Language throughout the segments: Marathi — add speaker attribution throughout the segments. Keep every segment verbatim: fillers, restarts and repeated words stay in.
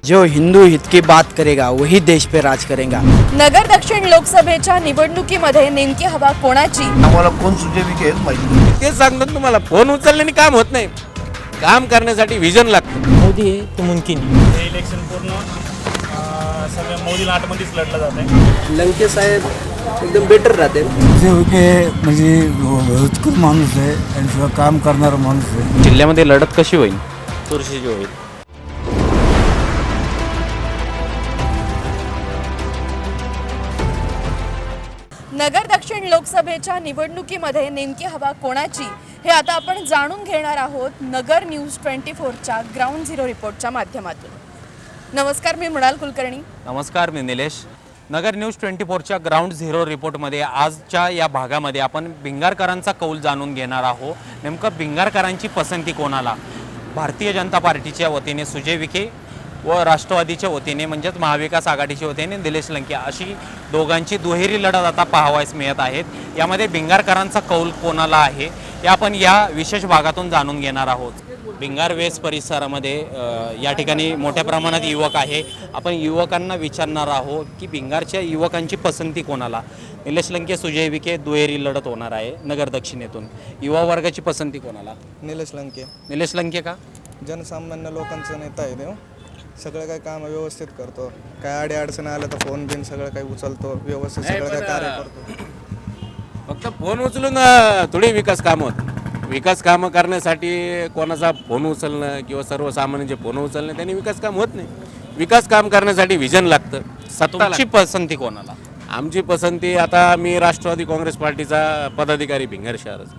Speaker 1: जो हिंदू हित की बात करेगा वही देश पे राज करेगा।
Speaker 2: नगर दक्षिण लोकसभेच्या निवडणुकीमध्ये नेमकी हवा कोणाची?
Speaker 3: आम्हाला कोण सुजय विखे हेच माहिती नाही.
Speaker 4: तेच सांगतो तुम्हाला, फोन उचलल्याने काम होत नाही, काम करण्यासाठी विजन लागतं.
Speaker 1: मोदी है तो मुमकिन है।
Speaker 5: हे इलेक्शन पूर्ण अं, सगळं मोदी लाटमध्येच लढलं जात आहे.
Speaker 6: लंके साहेब एकदम बेटर राहते.
Speaker 7: सुजय विखे म्हणजे उत्कृष्ट माणूस आहे आणि सगळं काम करणारा माणूस आहे.
Speaker 4: जिल्ह्यामध्ये लढत कशी होईल? चुरशीची होईल.
Speaker 2: नगर दक्षिण लोकसभेच्या निवडणुकीमध्ये नेमकी हवा कोणाची हे आता आपण जाणून घेणार आहोत नगर न्यूज ट्वेंटी फोरच्या ग्राउंड झिरो रिपोर्टच्या माध्यमातून. नमस्कार, मी मृणाल कुलकर्णी.
Speaker 4: नमस्कार, मी निलेश. नगर न्यूज ट्वेंटी फोरच्या ग्राउंड झिरो रिपोर्टमध्ये आजच्या या भागामध्ये आपण भिंगारकरांचा कौल जाणून घेणार आहोत. नेमकं भिंगारकरांची पसंती कोणाला? भारतीय जनता पार्टीच्या वतीने सुजय विखे व राष्ट्रवादीच्या वतीने म्हणजेच महाविकास आघाडीच्या वतीने निलेश लंके, अशी दोघांची दुहेरी लढत आता पाहावयास मिळत आहेत. यामध्ये भिंगारकरांचा कौल कोणाला आहे हे आपण या विशेष भागातून जाणून घेणार आहोत. भिंगार वेस परिसरामध्ये या ठिकाणी मोठ्या प्रमाणात युवक आहे. आपण युवकांना विचारणार आहोत की भिंगारच्या युवकांची पसंती कोणाला? निलेश लंके, सुजय विखे दुहेरी लढत होणार आहे नगर दक्षिणेतून. युवा वर्गाची पसंती कोणाला?
Speaker 8: निलेश लंके.
Speaker 4: निलेश लंके का?
Speaker 8: जनसामान्य लोकांचा नेता आहे तो. सगळं काही काम व्यवस्थित करतो. काय अडी अडचण आलं तर फोन बिन सगळं काही उचलतो, व्यवस्थित सगळं काही कार्य करतो.
Speaker 4: फक्त फोन उचलून थोडी विकास कामं होत. विकास कामं करण्यासाठी कोणाचा फोन उचलणं किंवा सर्वसामान्यांचे फोन उचलणं त्यांनी विकास काम होत नाही. विकास काम करण्यासाठी विजन लागतं. सत्ताची पसंती कोणाला? आमची पसंती, आता मी राष्ट्रवादी काँग्रेस पार्टीचा पदाधिकारी भिंगार शहराचा,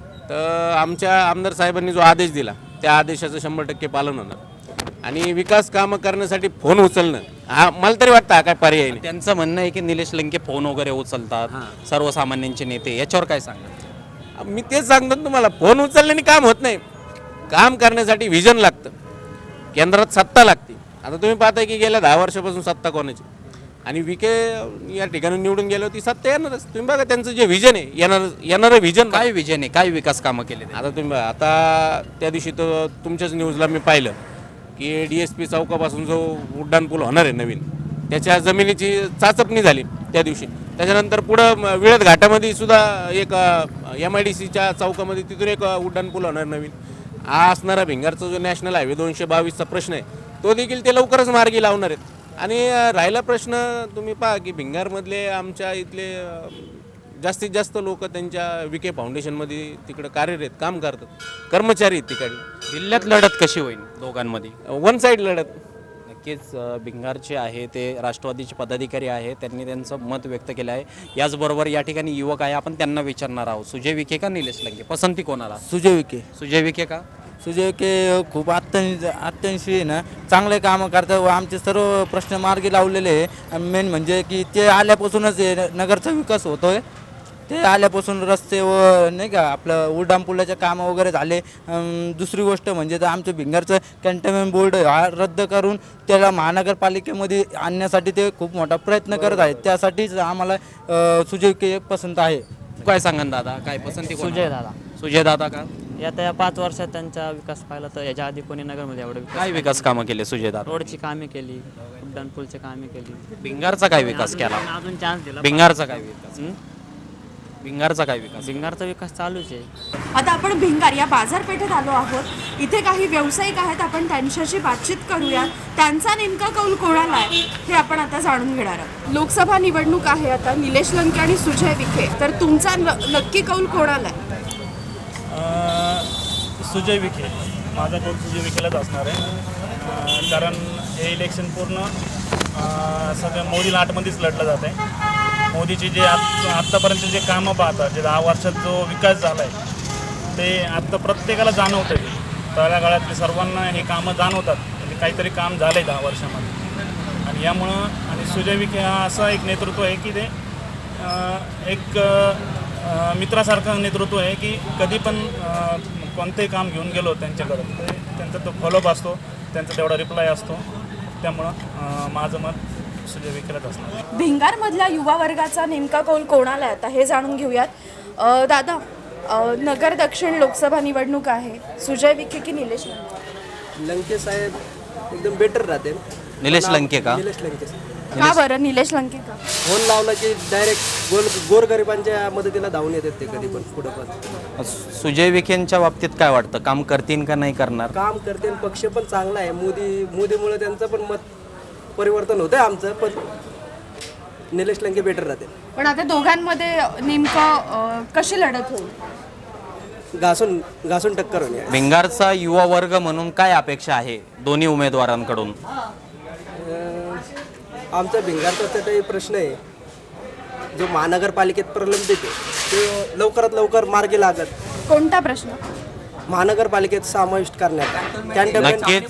Speaker 4: तर आमच्या आमदार साहेबांनी जो आदेश दिला त्या आदेशाचं शंभर टक्के पालन होणार. आणि विकास कामं करण्यासाठी फोन उचलणं हा मला तरी वाटतं हा काय पर्याय नाही. त्यांचं म्हणणं आहे की निलेश लंके फोन वगैरे उचलतात, सर्वसामान्यांचे नेते, याच्यावर काय सांगतात? मी तेच सांगतो तुम्हाला, फोन उचलल्याने काम होत नाही, काम करण्यासाठी विजन लागतं. केंद्रात सत्ता लागते. आता तुम्ही पाहताय की गेल्या दहा वर्षापासून सत्ता कोणाची, आणि विखे या ठिकाणी निवडून गेलो ती सत्ता येणारच. तुम्ही बघा त्यांचं जे विजन आहे, येणार येणारं विजन काय विजन आहे, काय विकास कामं केले आता तुम्ही बघा. आता त्या दिवशी तर तुमच्याच न्यूजला मी पाहिलं की डी एस पी चौकापासून जो उड्डाण पूल होणार आहे नवीन, त्याच्या जमिनीची चाचपणी झाली त्या दिवशी. त्याच्यानंतर पुढं विळद घाटामध्ये सुद्धा एक एम आय डी सीच्या चौकामध्ये तिथून एक उड्डाण पूल होणार नवीन. हा असणारा भिंगारचा जो नॅशनल हायवे दोनशे बावीसचा प्रश्न आहे तो देखील ते लवकरच मार्गी लावणार आहेत. आणि राहिला प्रश्न, तुम्ही पहा की भिंगारमधले आमच्या इथले जास्तीत जास्त लोक त्यांच्या विखे फाउंडेशनमध्ये तिकडं कार्यरत काम करतात, कर्मचारी आहेत तिकडे. जिल्ह्यात लढत कशी होईल दोघांमध्ये? वन साईड लढत. नक्कीच भिंगारचे आहे ते राष्ट्रवादीचे पदाधिकारी आहे, त्यांनी त्यांचं मत व्यक्त केलं आहे. याचबरोबर या ठिकाणी युवक आहे, आपण त्यांना विचारणार आहोत. सुजय विखे का निलेश लंके? पसंती कोणाला?
Speaker 1: सुजय विखे.
Speaker 4: सुजय विखे का?
Speaker 1: सुजय विखे खूप अत्यंत अत्यंशी ना चांगले कामं करतात व आमचे सर्व प्रश्न मार्गी लावलेले आहे. मेन म्हणजे की ते आल्यापासूनच हे नगरचा विकास होतोय. ते आल्यापासून रस्ते व नाही का आपलं उड्डाण पुलाचे कामं वगैरे झाले. दुसरी गोष्ट म्हणजे तर आमचं भिंगारचं कॅन्टोन्मेंट बोर्ड हा रद्द करून त्याला महानगरपालिकेमध्ये आणण्यासाठी ते खूप मोठा प्रयत्न करत आहेत. त्यासाठीच आम्हाला सुजय विखे पसंत आहे.
Speaker 4: काय सांगा दादा, काय पसंती?
Speaker 6: सुजय दादा.
Speaker 4: सुजय दादा का?
Speaker 6: आता या पाच वर्षात त्यांचा विकास पाहिला तर याच्या आधी कोणी नगरमध्ये एवढं विकास
Speaker 4: काय विकास कामं केले सुजय दादा?
Speaker 6: रोडची कामे केली, उड्डाण पूलची कामे केली.
Speaker 4: भिंगारचा काय विकास केला?
Speaker 6: अजून चान्स दिला.
Speaker 4: भिंगारचा काय विकास? भिंगारचा काय विकास?
Speaker 6: भिंगारचा विकास चालूच आहे.
Speaker 2: आता आपण भिंगार या बाजारपेठेत आलो आहोत. इथे काही व्यावसायिक आहेत, आपण त्यांच्याशी बातचीत करूया. त्यांचा नेमका कौल कोणाला आहे हे आपण आता जाणून घेणार आहोत. लोकसभा निवडणूक आहे आता, निलेश लंके आणि सुजय विखे, तर तुमचा नक्की कौल कोणाला आहे?
Speaker 5: सुजय विखे. माझा कौल सुजय विखेलाच असणार आहे. अं, कारण हे इलेक्शन पूर्ण अं, सगळं मोदी लाटमध्येच लढलं जात आहे. मोदीचे जे आत आत्तापर्यंत जे कामं पाहतात, जे दहा वर्षात जो विकास झाला आहे ते आत्ता प्रत्येकाला जाणवतं आहे. तळागाळातले सर्वांना हे कामं जाणवतात, म्हणजे काहीतरी काम झालं आहे दहा वर्षामध्ये. आणि यामुळं आणि सुजय विखे हा असा एक नेतृत्व आहे की ते एक मित्रासारखं नेतृत्व आहे की कधी पण कोणतेही काम घेऊन गेलो त्यांच्याकडं ते त्यांचा तो फॉलोअप असतो, त्यांचा तेवढा रिप्लाय असतो. त्यामुळं माझं मत सुजय विखेलाच असणार.
Speaker 2: भिंगारमधल्या युवा वर्गाचा नेमका कौल कोणाला आहे आता हे जाणून घेऊयात. दादा, नगर दक्षिण लोकसभा निवडणूक आहे, सुजय विखे की निलेश लंके?
Speaker 6: लंके साहेब एकदम बेटर राहते.
Speaker 9: निलेश लंके का?
Speaker 10: निलेश लंके
Speaker 2: का बरं निलेश लंके का?
Speaker 10: फोन लावला की डायरेक्ट गोल गोरगरिबांच्या मदतीला धावून येतात ते कधी पण पुढे पण.
Speaker 9: सुजय विखेंच्या बाबतीत काय वाटतं, काम करतील का नाही करणार?
Speaker 10: काम करते आणि पक्ष पण चांगला आहे. मोदी मोदीमुळे त्यांचं पण मत परिवर्तन होतंय आमचं, पण निलेश लंके बेटर राहते.
Speaker 2: पण आता दोघांमध्ये नेमकं अं, कशी लढत होईल?
Speaker 10: घासून घासून टक्कर होणे.
Speaker 9: भिंगारचा युवा वर्ग म्हणून काय अपेक्षा आहे दोन्ही उमेदवारांकडून?
Speaker 10: अं, आमचा भिंगारचा तर काही प्रश्न आहे जो महानगरपालिकेत प्रलंबित आहे ते लवकरात लवकर मार्गी लागत.
Speaker 2: कोणता प्रश्न?
Speaker 10: महानगरपालिकेत समाविष्ट करण्यात
Speaker 9: नक्कीच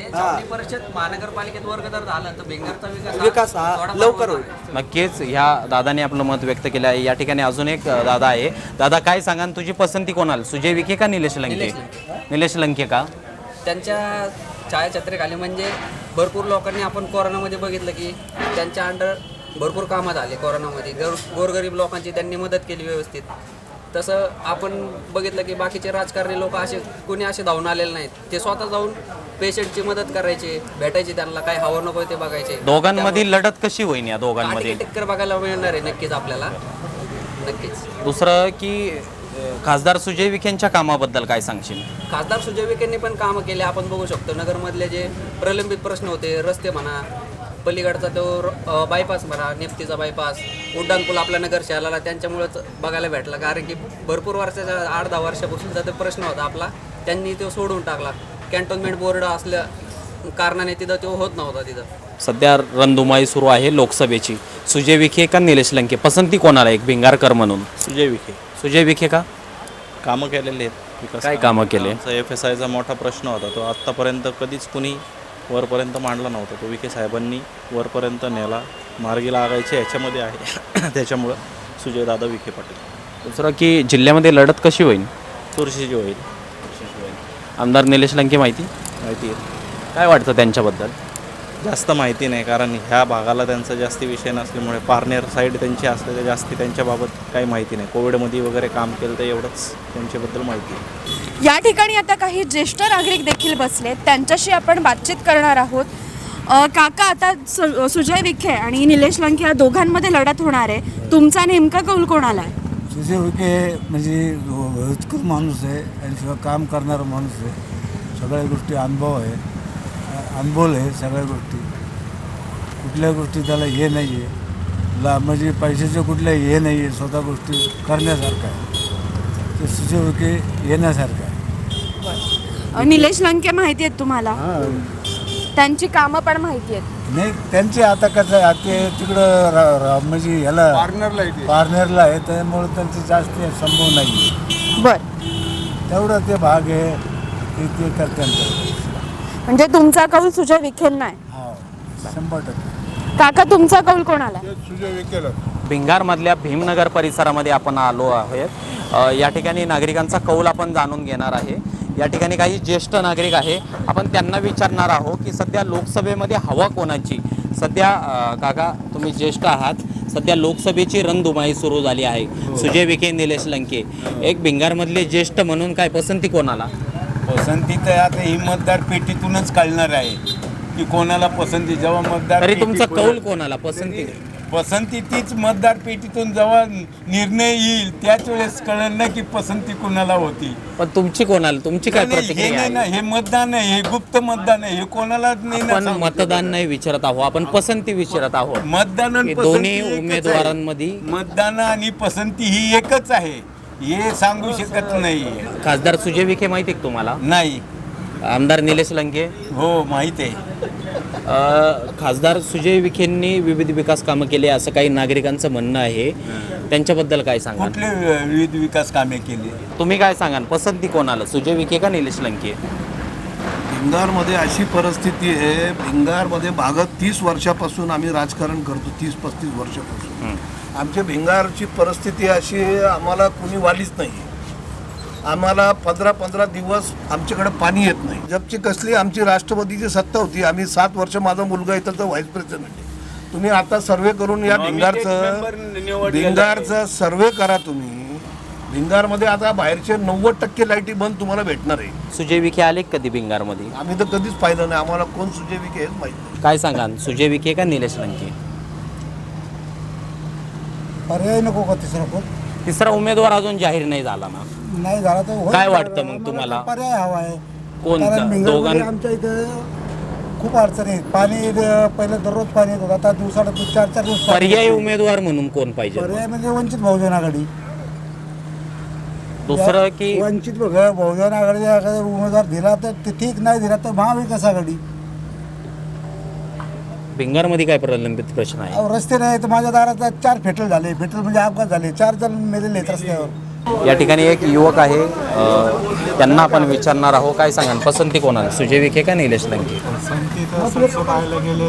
Speaker 10: विकास हा लवकर होईल.
Speaker 9: नक्कीच ह्या दादाने आपलं मत व्यक्त केलं आहे. या ठिकाणी अजून एक अ, दादा आहे. दादा काय सांगा, तुझी पसंती कोणाला, सुजय विखे का निलेश लंके? निलेश लंके का?
Speaker 11: त्यांच्या छायाछत्रेखाली म्हणजे भरपूर लोकांनी आपण कोरोनामध्ये बघितलं की त्यांच्या अंडर भरपूर कामं झाले. कोरोनामध्ये गोर गोरगरीब लोकांची त्यांनी मदत केली व्यवस्थित. तसं आपण बघितलं की बाकीचे राजकारणी लोक असे कोणी असे धावून आलेले नाहीत. ते स्वतः जाऊन पेशंटची मदत करायचे, भेटायचे, त्यांना काय हवं नको ते बघायचे.
Speaker 9: दोघांमधील लढत कशी होईल या दोघांमध्ये?
Speaker 11: टक्कर बघायला मिळणार आहे नक्कीच आपल्याला. नक्कीच.
Speaker 9: दुसरं की अ, खासदार सुजय विखेंच्या कामाबद्दल काय सांगशील?
Speaker 11: खासदार सुजय विखेंनी पण कामं केले. आपण बघू शकतो नगरमधले जे प्रलंबित प्रश्न होते, रस्ते म्हणा, पलीकडचा तो बायपास म्हणा, नेप्तीचा बायपास, उड्डाण पूल आपल्या नगर शहराला त्यांच्यामुळेच बघायला भेटला. कारण की भरपूर वर्षाच्या आठ दहा वर्षापासूनचा तो प्रश्न होता आपला, त्यांनी तो सोडून टाकला. कॅन्टोन्मेंट बोर्ड असल्या कारणाने तिथं तो होत नव्हता. तिथं
Speaker 9: सध्या रणधुमाळी सुरू आहे लोकसभेची. सुजय विखे का निलेश लंके, पसंती कोणाला एक भिंगारकर म्हणून?
Speaker 12: सुजय विखे.
Speaker 9: सुजय विखे का?
Speaker 12: कामं केलेले आहेत. विकास
Speaker 9: काय कामं केले?
Speaker 12: एफ एस आयचा मोठा प्रश्न होता, तो आत्तापर्यंत कधीच कुणी वरपर्यंत मांडला नव्हता. तो विखे साहेबांनी वरपर्यंत नेला, मार्गी लागायचे ह्याच्यामध्ये आहे. त्याच्यामुळं सुजय दादा विखे पाटील.
Speaker 9: दुसरं की जिल्ह्यामध्ये लढत कशी होईल?
Speaker 12: चुरशीची होईल.
Speaker 9: आमदार निलेश लंके माहिती
Speaker 12: माहिती आहे.
Speaker 9: काय वाटतं त्यांच्याबद्दल?
Speaker 12: जास्त माहिती नाही, कारण ह्या भागाला त्यांचा जास्ती विषय नसल्यामुळे पारनेर साईड त्यांची असलेल्या जास्ती त्यांच्याबाबत काही माहिती नाही. कोविडमध्ये वगैरे काम केलं तर एवढंच त्यांच्याबद्दल माहिती आहे.
Speaker 2: या ठिकाणी आता काही ज्येष्ठ नागरिक देखील बसले, त्यांच्याशी आपण बातचीत करणार आहोत. अ, काका, आता सु सुजय विखे आणि निलेश लंके या दोघांमध्ये लढत होणार आहे. तुमचा नेमका कौल कोणाला आहे?
Speaker 7: सुजय विखे म्हणजे उत्कृष्ट माणूस आहे आणि सगळं काम करणारा माणूस आहे. सगळ्या गोष्टी अनुभव आहे, अनुभव आहे सगळ्या गोष्टी. कुठल्या गोष्टी त्याला हे नाही आहे, ला म्हणजे पैशाचं कुठल्या हे नाही आहे, स्वतः गोष्टी करण्यासारखं आहे. ते सुजय विखे येण्यासारखं आहे.
Speaker 2: अ, निलेश लंके माहिती आहेत तुम्हाला? त्यांची कामं पण माहिती आहेत.
Speaker 7: नाही, त्यांचे आता कसं आहे, ते तिकडं रा- रा- म्हणजे ह्याला पार्नरला पार्नरला आहे, त्यामुळे त्यांचे जास्त संभव नाही आहे.
Speaker 2: बरं,
Speaker 7: तेवढं ते भाग आहे ते ते करतात.
Speaker 2: म्हणजे तुमचा कौल सुजय विखेंना आहे?
Speaker 7: हा, शंभर टक्के.
Speaker 2: काका, तुमचा कौल कोणाला आहे?
Speaker 7: सुजय विखेला.
Speaker 9: भिंगारमधल्या भीमनगर परिसरामध्ये आपण आलो आहोत. अ, या ठिकाणी नागरिकांचा कौल आपण जाणून घेणार आहे. या ठिकाणी काही ज्येष्ठ नागरिक आहे, आपण त्यांना विचारणार आहोत की सध्या लोकसभेमध्ये हवा कोणाची. सध्या अ, काका, तुम्ही ज्येष्ठ आहात, सध्या लोकसभेची रणधुमाळी सुरू झाली आहे. सुजय विखे, निलेश लंके, एक भिंगारमधले ज्येष्ठ म्हणून काय पसंती कोणाला?
Speaker 13: पसंती तर आता ही मतदार पेटीतूनच कळणार आहे की कोणाला पसंती. जेव्हा मतदार
Speaker 9: तरी तुमचा
Speaker 13: पेटी-
Speaker 9: कौल कोणाला पसंती?
Speaker 13: पसंती तीच मतदार पेटीतून जेव्हा निर्णय येईल त्याच वेळेस कळेल ना की पसंती कोणाला होती.
Speaker 9: पण तुमची कोणाला, तुमची काय
Speaker 13: नाही, हे
Speaker 9: प्रतिक्रिया
Speaker 13: नाही ना,
Speaker 9: आहे?
Speaker 13: हे मतदान आहे, हे गुप्त मतदान आहे, हे कोणालाच नाही ना
Speaker 9: आपण
Speaker 13: सांगू
Speaker 9: मतदान
Speaker 13: शकत.
Speaker 9: नाही विचारत आहोत, आपण पसंती विचारत आहोत.
Speaker 13: मतदान आणि
Speaker 9: हे
Speaker 13: पसंती
Speaker 9: दोन्ही
Speaker 13: एकच आहे.
Speaker 9: उमेदवारांमध्ये
Speaker 13: मतदान आणि पसंती ही एकच आहे, हे सांगू शकत नाही.
Speaker 9: खासदार सुजय विखे माहिती आहे का तुम्हाला?
Speaker 13: नाही.
Speaker 9: आमदार निलेश लंके?
Speaker 13: हो, माहिती आहे.
Speaker 9: अ, खासदार सुजय विखेंनी विविध विकास कामं केले असं काही नागरिकांचं म्हणणं आहे, त्यांच्याबद्दल काय सांगा?
Speaker 13: कुठले विविध विकास कामे केली?
Speaker 9: तुम्ही काय सांगाल, पसंती कोणाला, सुजय विखे का निलेश लंके?
Speaker 3: भिंगारमध्ये अशी परिस्थिती आहे, भिंगारमध्ये मागं तीस वर्षापासून आम्ही राजकारण करतो, तीस पस्तीस वर्षापासून. आमच्या भिंगारची परिस्थिती अशी आहे, आम्हाला कुणी वालीच नाही. आम्हाला पंधरा पंधरा दिवस आमच्याकडे पाणी येत नाही. जबची कसली आमची राष्ट्रवादीची सत्ता होती, आम्ही सात वर्ष, माझा मुलगा इथं तर व्हाईस प्रेसिडेंट आहे. तुम्ही आता सर्वे करून या भिंगारचं भिंगारचं सर्वे करा तुम्ही. भिंगारमध्ये आता बाहेरचे नव्वद टक्के लाईटी बंद तुम्हाला भेटणार आहे.
Speaker 9: सुजय विखे आले कधी भिंगारमध्ये?
Speaker 3: आम्ही तर कधीच पाहिलं नाही. आम्हाला कोण सुजय विखे हेच माहिती नाही.
Speaker 9: काय सांगा, सुजय विखे का निलेश लंके?
Speaker 7: पर्याय नको का तिसरा कोण?
Speaker 9: तिसरा उमेदवार अजून जाहीर नाही झाला ना.
Speaker 7: नाही झाला तर होईल.
Speaker 9: काय वाटतं मग तुम्हाला?
Speaker 7: पर्याय हवा आहे.
Speaker 9: कोण
Speaker 7: कारण भिंगारमध्ये
Speaker 9: दोघां
Speaker 7: आमच्या इथं खूप अडचणी आहेत. पाणी इथं पहिलं दररोज पाणी येत होतं, आता दिवसाला चार चार दिवस पाणी
Speaker 9: पर्यायी
Speaker 7: येतं.
Speaker 9: उमेदवार म्हणून कोण पाहिजे?
Speaker 7: पर्याय म्हणजे वंचित बहुजन आघाडी.
Speaker 9: दुसरं की
Speaker 7: वंचित बघा, बहुजन आघाडीचा एखादा उमेदवार दिला तर ते ठीक, नाही दिला तर महाविकास आघाडी.
Speaker 9: भिंगारमध्ये काय प्रलंबित प्रश्न आहे?
Speaker 7: अहो, रस्ते नाही तर माझ्या दारात चार फेटल झाले. फेटल म्हणजे अपघात झाले, चार जण मेलेले आहेत रस्त्यावर.
Speaker 9: या ठिकाणी एक युवक आहे, अ, त्यांना आपण विचारणार आहोत. काय सांगा, पसंती कोणाला, सुजय विखे का निलेश लंके?
Speaker 14: पसंती तर तसं पाहायला गेले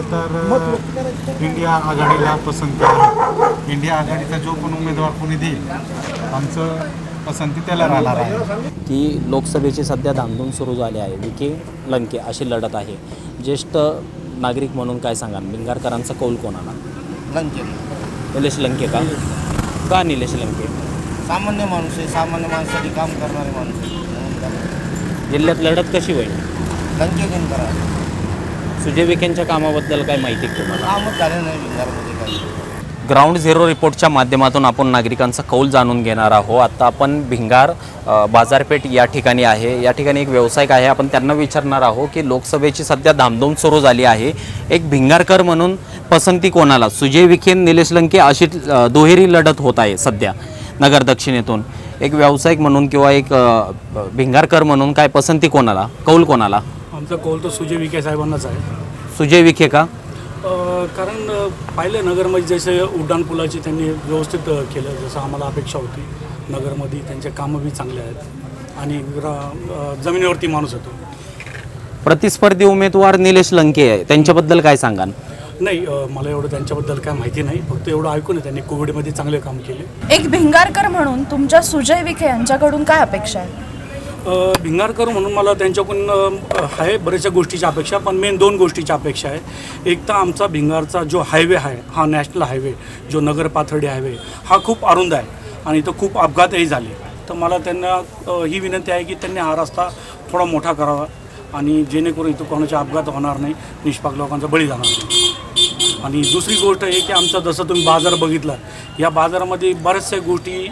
Speaker 14: तर इंडिया आघाडीला पसंती आहे. इंडिया आघाडीचा जो पण उमेदवार कोणी देईल आमचं पसंती त्याला राहणार आहे.
Speaker 9: की लोकसभेची सध्या धामधूम सुरू झाली आहे. विखे लंके अशी लढत आहे. ज्येष्ठ नागरिक म्हणून काय सांगा, भिंगारकरांचा कौल कोणाला?
Speaker 1: लंके.
Speaker 9: निलेश लंके का? का निलेश लंके?
Speaker 1: सामान्य माणूस आहे, सामान्य माणसासाठी काम करणारे माणूस आहे.
Speaker 9: जिल्ह्यात लढत कशी होईल?
Speaker 1: लंके घेऊन करा.
Speaker 9: सुजय विखेंच्या कामाबद्दल काय माहिती आहे तुम्हाला?
Speaker 1: कामच झालं नाही भिंगारमध्ये काही.
Speaker 9: ग्राउंड झिरो रिपोर्टच्या माध्यमातून आपण नागरिकांचा कौल जाणून घेणार आहोत. आता आपण भिंगार अ, बाजारपेठ या ठिकाणी आहे. या ठिकाणी एक व्यावसायिक आहे, आपण त्यांना विचारणार आहोत की लोकसभेची सध्या धामधूम सुरू झाली आहे. एक भिंगारकर म्हणून पसंती कोणाला? सुजय विखे, निलेश लंके अशी अ, दुहेरी लढत होत आहे सध्या नगर दक्षिणेतून. एक व्यावसायिक म्हणून किंवा एक अ, भिंगारकर म्हणून काय पसंती कोणाला, कौल कोणाला?
Speaker 5: आमचा कौल तर सुजय विखे साहेबांनाच आहे.
Speaker 9: सुजय विखे का?
Speaker 5: कारण पाहिलं नगरमध्ये जसे उड्डाणपुलाची त्यांनी व्यवस्थित केलं, जसं आम्हाला अपेक्षा होती. नगरमध्ये त्यांचे कामं बी चांगले आहेत आणि ग्रा जमिनीवरती माणूस होतो.
Speaker 9: प्रतिस्पर्धी उमेदवार निलेश लंके आहे, त्यांच्याबद्दल काय सांगा?
Speaker 5: नाही, मला एवढं त्यांच्याबद्दल काय माहिती नाही. फक्त एवढं ऐकून आहे त्यांनी कोविडमध्ये चांगले काम केले.
Speaker 2: एक भिंगारकर म्हणून तुमच्या सुजय विखे यांच्याकडून काय अपेक्षा आहे?
Speaker 5: भिंगारकर म्हणून मला त्यांच्याकडून आहे बऱ्याचशा गोष्टीची अपेक्षा, पण मेन दोन गोष्टीची अपेक्षा आहे. एक तर आमचा भिंगारचा जो हायवे आहे, हा नॅशनल हायवे जो नगर पाथर्डी हायवे, हा खूप अरुंद आहे आणि इथं खूप अपघातही झाले. तर मला त्यांना ही विनंती आहे की त्यांनी हा रस्ता थोडा मोठा करावा आणि जेणेकरून इथं कोणाचे अपघात होणार नाही, निष्पाप लोकांचा बळी जाणार नाही. आणि दुसरी गोष्ट आहे की आमचा जसं तुम्ही बाजार बघितला, या बाजारामध्ये बऱ्याचशा गोष्टी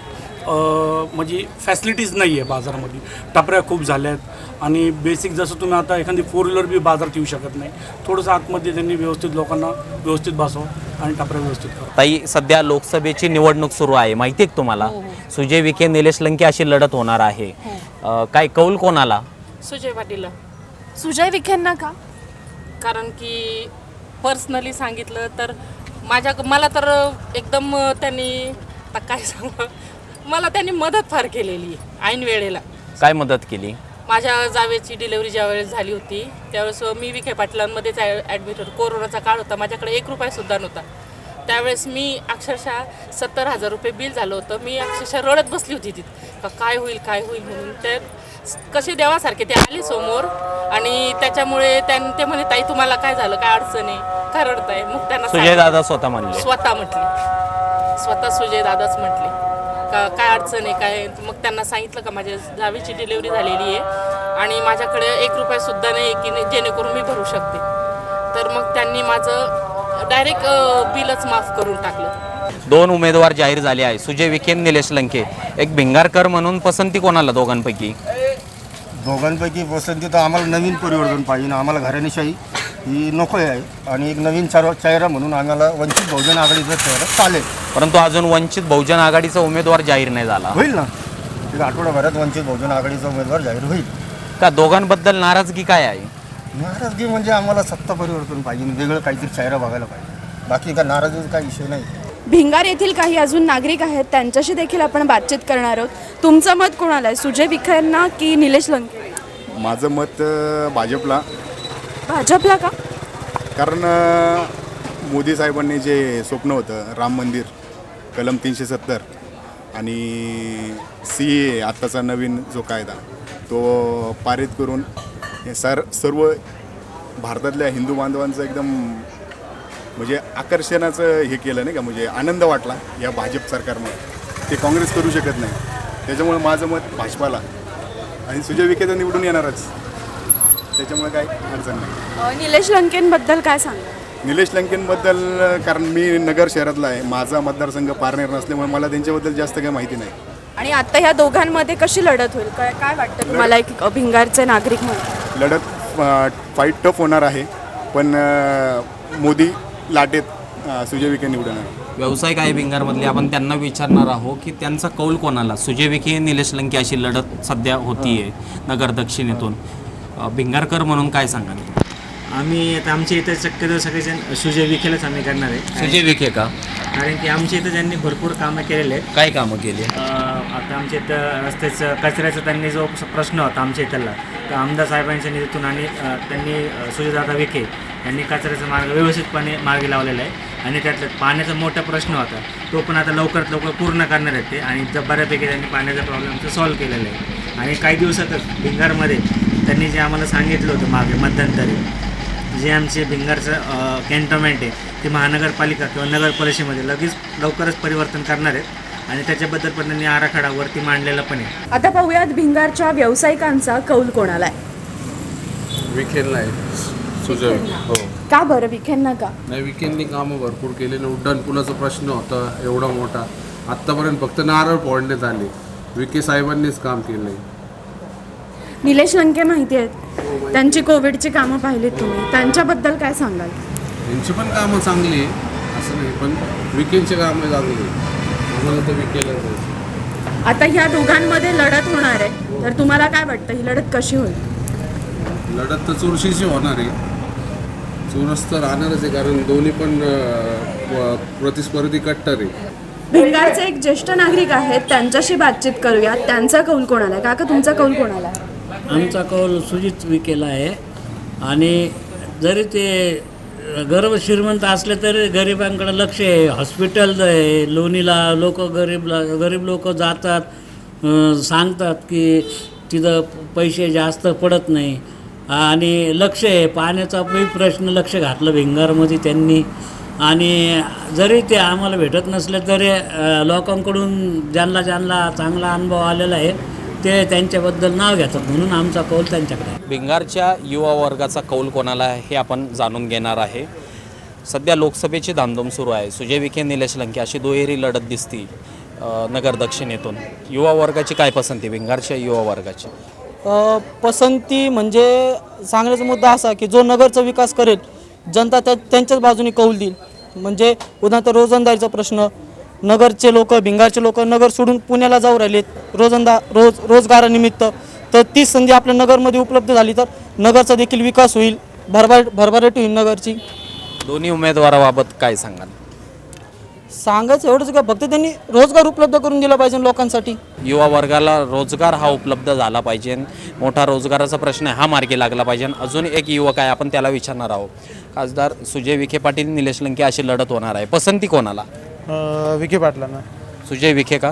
Speaker 5: म्हणजे फॅसिलिटीज नाही आहे बाजारामध्ये. टपऱ्या खूप झाल्या आहेत आणि बेसिक जसं तुम्ही आता एखादी फोर व्हीलर बी बाजारात येऊ शकत नाही. थोडंसं आतमध्ये त्यांनी व्यवस्थित लोकांना व्यवस्थित बसवा आणि टपऱ्या व्यवस्थित करा.
Speaker 9: ताई, सध्या लोकसभेची निवडणूक सुरू आहे, माहिती आहे तुम्हाला? सुजय विखे, निलेश लंके अशी लढत होणार आहे. अ, काय कौल कोणाला?
Speaker 15: सुजय पाटीलला.
Speaker 2: सुजय विखेंना का?
Speaker 15: कारण की पर्सनली सांगितलं तर माझ्या मला तर एकदम त्यांनी आता काय सांगू, मला त्यांनी मदत फार केलेली ऐन वेळेला.
Speaker 9: काय मदत केली?
Speaker 15: माझ्या जावेची डिलिव्हरी ज्यावेळेस झाली होती त्यावेळेस मी विखे पाटलांमध्येच ॲडमिट होतो. कोरोनाचा काळ होता, माझ्याकडे एक रुपयासुद्धा नव्हता. त्यावेळेस मी अक्षरशः सत्तर हजार रुपये बिल झालं होतं. मी अक्षरशः रडत बसली होती तिथं, का काय होईल काय होईल म्हणून. ते कसे देवासारखे ते आले समोर आणि त्याच्यामुळे त्यां ते म्हणे, ताई तुम्हाला काय झालं, काय अडचण आहे, का रडताय? मग त्यांना
Speaker 9: सुजय दादा स्वतः म्हणले.
Speaker 15: स्वतः म्हटले, स्वतः सुजय दादाच म्हटले का काय अडचण आहे काय. मग त्यांना सांगितलं का माझ्या जावेची डिलिव्हरी झालेली आहे आणि माझ्याकडे एक रुपयासुद्धा नाही की जेणेकरून मी भरू शकते. तर मग त्यांनी माझं डायरेक्ट बिलच माफ करून टाकलं.
Speaker 9: दोन उमेदवार जाहीर झाले आहे, सुजय विखे, निलेश लंके. एक भिंगारकर म्हणून पसंती कोणाला दोघांपैकी?
Speaker 16: दोघांपैकी पसंती तर आम्हाला नवीन परिवर्तन पाहिजे. आम्हाला घराणेशाही ही नको आहे आणि एक नवीन चार चेहरा म्हणून आम्हाला वंचित बहुजन आघाडीचा चेहरा चालेल.
Speaker 9: परंतु अजून वंचित बहुजन आघाडीचा उमेदवार जाहीर नाही झाला.
Speaker 16: होईल ना, एक आठवड्याभरात वंचित बहुजन आघाडीचा उमेदवार जाहीर होईल.
Speaker 9: का दोघांबद्दल नाराजगी काय आहे?
Speaker 16: नाराजगी म्हणजे आम्हाला सत्ता परिवर्तन पाहिजे, वेगळं काहीतरी चेहरा बघायला पाहिजे. बाकी का नाराजगीचा काही विषय नाही.
Speaker 2: भिंगार येथील काही अजून नागरिक आहेत, त्यांच्याशी देखील आपण बातचीत करणार आहोत. तुमचं मत कोणाला आहे, सुजय विखेंना की निलेश लंके?
Speaker 17: माझं मत भाजपला.
Speaker 2: भाजपला का?
Speaker 17: कारण मोदी साहेबांनी जे स्वप्न होतं राम मंदिर, कलम तीनशे सत्तर आणि सी ए आत्ताचा नवीन जो कायदा तो पारित करून हे सर सर्व भारतातल्या हिंदू बांधवांचं एकदम म्हणजे आकर्षणाचं हे केलं नाही का, म्हणजे आनंद वाटला या भाजप सरकारमुळे. ते काँग्रेस करू शकत नाही. त्याच्यामुळे माझं मत भाजपाला आणि सुजय विखे तर निवडून येणारच, त्याच्यामुळे काही अडचण नाही.
Speaker 2: अ, निलेश लंकेंबद्दल काय सांगा?
Speaker 17: निलेश लंकेंबद्दल, कारण मी नगर शहरातला आहे, माझा मतदारसंघ पारनेर नसल्यामुळे मला त्यांच्याबद्दल जास्त काही माहिती नाही.
Speaker 2: आणि आता ह्या दोघांमध्ये कशी लढत होईल, काय काय वाटतं तुम्हाला एक भिंगारचे नागरिक म्हणून?
Speaker 17: लढत फाईट टफ होणार आहे, पण अ, मोदी लाटेत अ, सुजय विखे निवडून येणार.
Speaker 9: व्यावसायिक आहे भिंगारमधले, आपण त्यांना विचारणार आहोत की त्यांचा कौल कोणाला. सुजय विखे निलेश लंके अशी लढत सध्या होतीये नगर दक्षिणेतून. अ, भिंगारकर म्हणून काय सांगाल?
Speaker 18: आम्ही आता आमच्या इथं शक्यतो सगळेजण सुजय विखेलाच आम्ही करणार आहे.
Speaker 9: सुजय विखे का?
Speaker 18: कारण की आमच्या इथं त्यांनी भरपूर कामं केलेले आहेत.
Speaker 9: काय कामं केली?
Speaker 18: आता आमच्या इथं रस्त्याचं कचऱ्याचा त्यांनी जो प्रश्न होता आमच्या इथला, तर आमदार साहेबांच्या निधीतून आणि अ, त्यांनी अ, सुजयदादा विखे यांनी कचऱ्याचा मार्ग व्यवस्थितपणे मार्गी लावलेला आहे. आणि त्यातलं पाण्याचा मोठा प्रश्न होता, तो पण आता लवकरात लवकर पूर्ण करणार आहेत ते. आणि ज- बऱ्यापैकी त्यांनी पाण्याचा प्रॉब्लेमचं सॉल्व्ह केलेला आहे. आणि काही दिवसातच भिंगारमध्ये त्यांनी जे आम्हाला सांगितलं होतं मागे मध्यंतरी, जे आमचे भिंगारचं कॅन्टोन्मेंट आहे ते महानगरपालिका किंवा नगर परिषदेमध्ये लगेच लवकरच परिवर्तन करणार आहेत. आणि त्याच्याबद्दल पण त्यांनी आराखडा वरती मांडलेला पण आहे.
Speaker 2: आता पाहूयात भिंगारच्या व्यावसायिकांचा कौल कोणाला आहे.
Speaker 19: विखेंना आहे, सुजय हो.
Speaker 2: का बरं विखेंना का?
Speaker 19: नाही, विखेंनी कामं भरपूर केलेलं. उड्डाण पुलाचा प्रश्न होता एवढा मोठा, आत्तापर्यंत फक्त नारळ फोडण्यात आले, विखे साहेबांनीच काम केलं.
Speaker 2: निलेश लंके माहिती आहेत, त्यांची कोविडची कामं पाहिलीत तुम्ही, त्यांच्याबद्दल काय सांगाल?
Speaker 19: त्यांची पण कामं चांगली आहे असं नाही, पण विखेंची कामं चांगली आहे. आम्हाला तर विखेला जायचं.
Speaker 2: आता ह्या दोघांमध्ये लढत होणार आहे, तर तुम्हाला काय वाटतं ही लढत कशी होईल?
Speaker 19: लढत तर चुरशीची होणार आहे, चुरस तर राहणारच आहे, कारण दोन्ही पण अं, प्रतिस्पर्धी कट्टर आहे.
Speaker 2: भिंगारचे एक ज्येष्ठ नागरिक आहेत, त्यांच्याशी बातचीत करूया. त्यांचा कौल कोणाला आहे? काका तुमचा कौल कोणाला आहे?
Speaker 20: आमचा कौल सुजित विखेला आहे. आणि जरी ते गर्भ श्रीमंत असले तरी गरिबांकडे लक्ष आहे. हॉस्पिटल आहे लोणीला, लोक गरीब गरीब लोक जातात, अं, सांगतात की तिथं पैसे जास्त पडत नाही. आणि लक्ष आहे, पाण्याचा प्रश्न लक्ष घातलं भिंगारमध्ये त्यांनी. आणि जरी ते आम्हाला भेटत नसले तरी अ, लोकांकडून ज्यांना ज्यांना चांगला अनुभव आलेला आहे ते त्यांच्याबद्दल नाव घेतात, म्हणून आमचा कौल त्यांच्याकडे आहे.
Speaker 9: भिंगारच्या युवा वर्गाचा कौल कोणाला आहे हे आपण जाणून घेणार आहे. सध्या लोकसभेची धामधूम सुरू आहे. सुजय विखे निलेश लंके अशी दुहेरी लढत दिसती अ, नगर दक्षिणेतून. युवा वर्गाची काय पसंती, भिंगारच्या युवा वर्गाची?
Speaker 21: अ, पसंती म्हणजे सांगण्याचा मुद्दा असा की जो नगरचा विकास करेल, जनता त्या त्यांच्याच बाजूने कौल देईल. म्हणजे उदाहरणार्थ रोजंदारीचा प्रश्न, नगरचे लोक भिंगारचे लोक नगर सोडून पुण्याला जाऊ राहिलेत रोजंदा रोज रोजगारानिमित्त, तर तीच संधी आपल्या नगरमध्ये उपलब्ध झाली तर नगरचा देखील विकास होईल, भरभर भरभराट होईल नगरची.
Speaker 9: दोन्ही उमेदवाराबाबत काय सांगाल?
Speaker 21: सांगायचं एवढंच का, फक्त त्यांनी रोजगार उपलब्ध करून दिला पाहिजे लोकांसाठी.
Speaker 9: युवा वर्गाला रोजगार हा उपलब्ध झाला पाहिजे, मोठा रोजगाराचा प्रश्न हा मार्गी लागला पाहिजे. अजून एक युवक आहे, आपण त्याला विचारणार आहोत. खासदार सुजय विखे पाटील निलेश लंके अशी लढत होणार आहे, पसंती कोणाला?
Speaker 22: विखे पाटलांना.
Speaker 9: सुजय विखे का?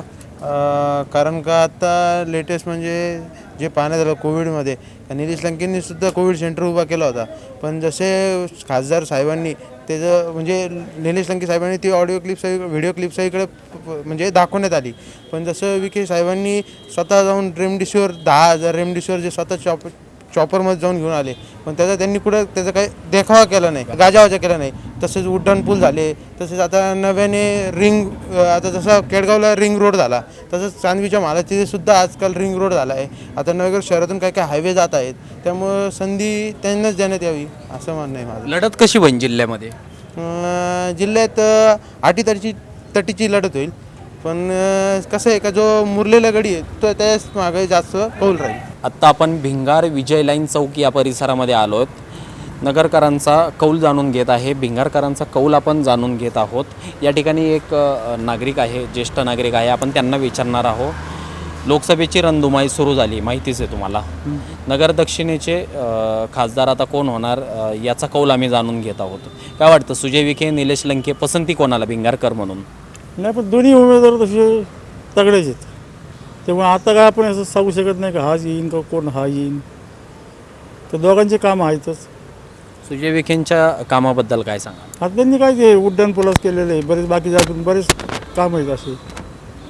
Speaker 22: कारण का आता लेटेस्ट म्हणजे जे पाहण्यात आलं कोविडमध्ये, निलेश लंकेंनी सुद्धा कोविड सेंटर उभा केला होता. पण जसे खासदार साहेबांनी त्याचं म्हणजे निलेश लंके साहेबांनी ती ऑडिओ क्लिप्स व्हिडिओ क्लिप्स इकडे म्हणजे दाखवण्यात आली. पण जसं विखे साहेबांनी स्वतः जाऊन रेमडिसिवर दहा हजार रेमडिसिवर जे स्वतः चॉप चॉपरमध्ये जाऊन घेऊन आले, पण त्याचा त्यांनी कुठं त्याचा काही देखावा केला नाही, गाजावाजा केला नाही. तसेच उड्डाण पूल झाले, तसेच आता नव्याने रिंग, आता जसा केडगावला रिंग रोड झाला तसंच चांदवीच्या महालात तिथे सुद्धा आजकाल रिंग रोड झाला आहे. आता नगर शहरातून काही काही हायवे जात आहेत, त्यामुळं संधी त्यांनाच देण्यात यावी असं म्हणणं आहे माझं.
Speaker 9: लढत कशी होईल जिल्ह्यामध्ये?
Speaker 22: जिल्ह्यात अटीतटीची तटीची लढत होईल, पण कसं आहे का जो मुरलेला गडी आहे तो त्याच मागे जास्त कौल राहील.
Speaker 9: आत्ता आपण भिंगार विजय लाईन चौक या परिसरामध्ये आलो आहोत. नगरकरांचा कौल जाणून घेत आहे, भिंगारकरांचा कौल आपण जाणून घेत आहोत. या ठिकाणी एक अ, नागरिक आहे, ज्येष्ठ नागरिक आहे, आपण त्यांना विचारणार आहोत. लोकसभेची रणधुमाळी सुरू झाली, माहितीच आहे तुम्हाला. नगर दक्षिणेचे अ, खासदार आता कोण होणार अ, याचा कौल आम्ही जाणून घेत आहोत. काय वाटतं, सुजय विखे निलेश लंके, पसंती कोणाला भिंगारकर म्हणून?
Speaker 23: नाही, पण दोन्ही उमेदवार तसे तगडेच आहेत, त्यामुळे आता काय आपण असं सांगू शकत नाही का हाच येईन का कोण हा येईन. तर दोघांचे कामं आहेतच.
Speaker 9: सुजय विखेंच्या कामाबद्दल काय सांगा?
Speaker 23: आता त्यांनी काय ते उड्डाण पुलास केलेलं आहे, बरेच बाकी जातून बरेच काम आहेत असे.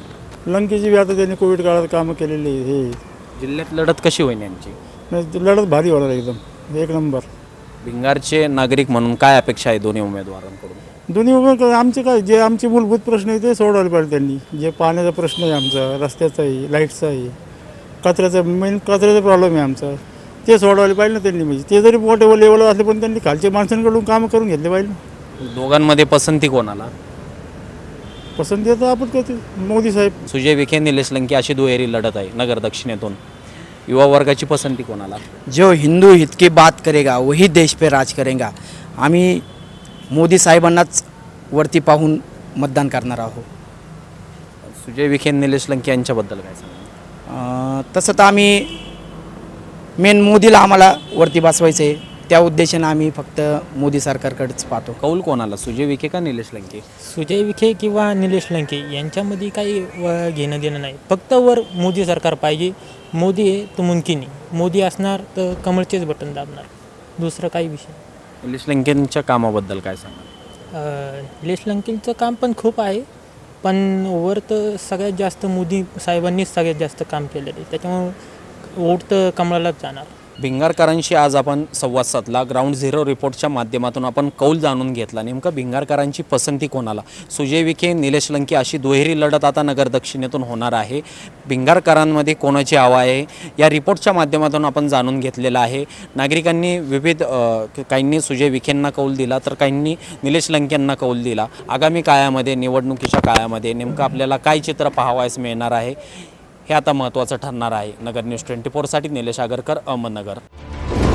Speaker 23: लंकेची बी आता त्यांनी कोविड काळात कामं केलेली आहे. हे
Speaker 9: जिल्ह्यात लढत कशी होईल यांची?
Speaker 23: नाही, लढत भारी होणार एकदम एक नंबर.
Speaker 9: भिंगारचे नागरिक म्हणून काय अपेक्षा आहे दोन्ही उमेदवारांकडून?
Speaker 23: दोन्ही उमेदवार आमचे काय जे आमचे मूलभूत प्रश्न आहे ते सोडवले पाहिजे त्यांनी. जे पाण्याचा प्रश्न आहे आमचा, रस्त्याचा आहे, लाईटचा आहे, कचऱ्याचा मेन कचऱ्याचा प्रॉब्लेम आहे आमचा, ते सोडवले पाहिजे ना त्यांनी. म्हणजे ते जरी मोठे लेवलवर असले पण त्यांनी खालच्या माणसांकडून कामं करून घेतले पाहिजे ना.
Speaker 9: दोघांमध्ये पसंती कोणाला?
Speaker 23: पसंती आता आपण करते मोदी साहेब.
Speaker 9: सुजय विखे निलेश लंके अशी दुहेरी लढत आहे नगर दक्षिणेतून. युवा वर्गाची पसंती कोणाला?
Speaker 4: जो हिंदू हित की बात करेगा वही देश पे राज करेगा. आम्ही मोदी साहेबांनाच वरती पाहून मतदान करणार आहोत.
Speaker 9: सुजय विखे निलेश लंके यांच्याबद्दल काय सांगा?
Speaker 4: अं, तसं तर आम्ही मेन मोदीला आम्हाला वरती बसवायचं आहे, त्या उद्देशाने आम्ही फक्त मोदी सरकारकडेच पाहतो.
Speaker 9: कौल कोणाला, सुजय विखे का निलेश लंके?
Speaker 6: सुजय विखे किंवा निलेश लंके यांच्यामध्ये काही व घेणं देणं नाही. फक्त वर मोदी सरकार पाहिजे. मोदी आहे तो मुमकिन आहे. मोदी असणार तर कमळचेच बटन दाबणार, दुसरं काही विषय.
Speaker 9: निलेश लंकेंच्या कामाबद्दल काय सांगा?
Speaker 6: अं, निलेश लंकेंचं काम पण खूप आहे, पण वर तर सगळ्यात जास्त मोदी साहेबांनीच सगळ्यात जास्त काम केलेलं आहे, त्याच्यामुळं वोट तर कमळालाच जाणार.
Speaker 9: भिंगारकरांशी आज आपण संवाद साधला. ग्राउंड झिरो रिपोर्टच्या माध्यमातून आपण कौल जाणून घेतला. नेमकं भिंगारकरांची पसंती कोणाला? सुजय विखे निलेश लंके अशी दुहेरी लढत आता नगर दक्षिणेतून होणार आहे. भिंगारकरांमध्ये कोणाची हवा आहे या रिपोर्टच्या माध्यमातून आपण जाणून घेतलेलं आहे. नागरिकांनी विविध काहींनी सुजय विखेंना कौल दिला तर काहींनी निलेश लंकेंना कौल दिला. आगामी काळामध्ये निवडणुकीच्या काळामध्ये नेमकं आपल्याला काय चित्र पाहावयास मिळणार आहे हे आता महत्त्वाचं ठरणार आहे. नगर न्यूज ट्वेंटी फोरसाठी निलेश आगरकर, अहमदनगर.